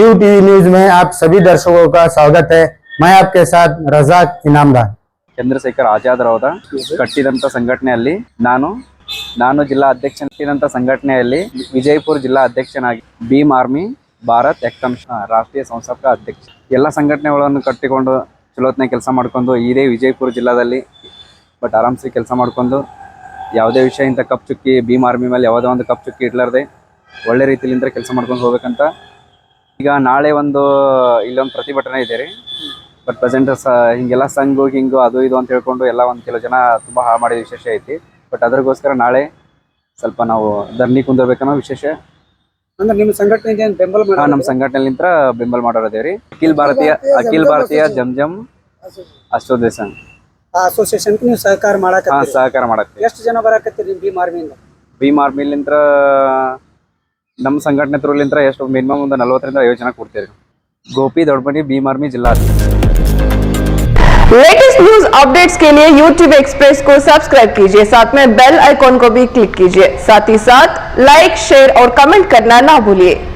New TV news में आप सभी दर्शकों का स्वागत है। मैं आपके साथ रजाक इनामदार। ಚಂದ್ರಶೇಖರ್ ಆಜಾದ್ ರವರ ಕಟ್ಟಿದಂಥ ಸಂಘಟನೆಯಲ್ಲಿ ನಾನು ಜಿಲ್ಲಾ ಅಧ್ಯಕ್ಷ ಕಟ್ಟಿದಂಥ ಸಂಘಟನೆಯಲ್ಲಿ ವಿಜಯಪುರ ಜಿಲ್ಲಾ ಅಧ್ಯಕ್ಷನಾಗಿ ಭೀಮ್ ಆರ್ಮಿ ಭಾರತ್ ಎಕ್ಟಮ್ ರಾಷ್ಟ್ರೀಯ ಸಂಸ್ಥಾಪಕ ಅಧ್ಯಕ್ಷ ಎಲ್ಲ ಸಂಘಟನೆಗಳನ್ನು ಕಟ್ಟಿಕೊಂಡು ಚಲೋತ್ನಾಗ ಕೆಲಸ ಮಾಡ್ಕೊಂಡು ಇದೇ ವಿಜಯಪುರ ಜಿಲ್ಲಾದಲ್ಲಿ ಬಟ್ ಆರಾಮ್ಸೆ ಕೆಲಸ ಮಾಡ್ಕೊಂಡು ಯಾವುದೇ ವಿಷಯ ಇಂಥ ಕಪ್ ಚುಕ್ಕಿ ಭೀಮ್ ಆರ್ಮಿ ಮೇಲೆ ಯಾವುದೇ ಒಂದು ಕಪ್ ಚುಕ್ಕಿ ಇಡ್ಲಾರ್ದೆ ಒಳ್ಳೆ ರೀತಿಯಿಂದ ಕೆಲಸ ಮಾಡ್ಕೊಂಡು ಹೋಗ್ಬೇಕಂತ ಈಗ ನಾಳೆ ಇಲ್ಲೊಂದು ಪ್ರತಿಭಟನೆ ಇದೆ ರೀ. ಬಟ್ ಪ್ರೆಸೆಂಟ್ ಹಿಂಗೆಲ್ಲ ಸಂಘು ಹಿಂಗು ಅದು ಇದು ಅಂತ ಹೇಳ್ಕೊಂಡು ಎಲ್ಲ ಒಂದು ಕೆಲವು ಜನ ತುಂಬ ಹಾಳು ಮಾಡಿದ ವಿಶೇಷ ಐತಿ. ಬಟ್ ಅದ್ರಗೋಸ್ಕರ ನಾಳೆ ಸ್ವಲ್ಪ ನಾವು ಧರಣಿ ಕುಂದಿರ್ಬೇಕನ್ನೋ ವಿಶೇಷ. ಅಂದ್ರೆ ನಿಮ್ಮ ಸಂಘಟನೆಗೆ ಬೆಂಬಲ ನಮ್ಮ ಸಂಘಟನೆಲಿಂತ್ರ ಬೆಂಬಲ ಮಾಡೋರದೇವ್ರಿ. ಅಖಿಲ ಭಾರತೀಯ ಜಮ್ ಅಸೋಸಿಯೇಷನ್ ಅಸೋಸಿಯೇಷನ್ ನೀವು ಸಹಕಾರ ಮಾಡಕ್ಕೆ ಸಹಕಾರ ಮಾಡಕ್ಕೆ ಎಷ್ಟು ಜನ ಬರಾಕತ್ತೀರಿ ಭೀಮ್ ಆರ್ಮಿಯಿಂದ? ಭೀಮ್ ಆರ್ಮಿಲಿಂತ್ರ ನಮ್ಮ ಸಂಘಟನೆ ಥ್ರೂಲಿಂತ್ರ ಎಷ್ಟು ಮಿನಿಮಮ್ ಒಂದು 40 ರಿಂದ 50 ಜನ ಕೊಡ್ತೀರಿ. गोपी दौड़बनी भीम आर्मी जिला। लेटेस्ट न्यूज अपडेट्स के लिए YouTube एक्सप्रेस को सब्सक्राइब कीजिए, साथ में बेल आइकॉन को भी क्लिक कीजिए, साथ ही साथ लाइक शेयर और कमेंट करना ना भूलिए।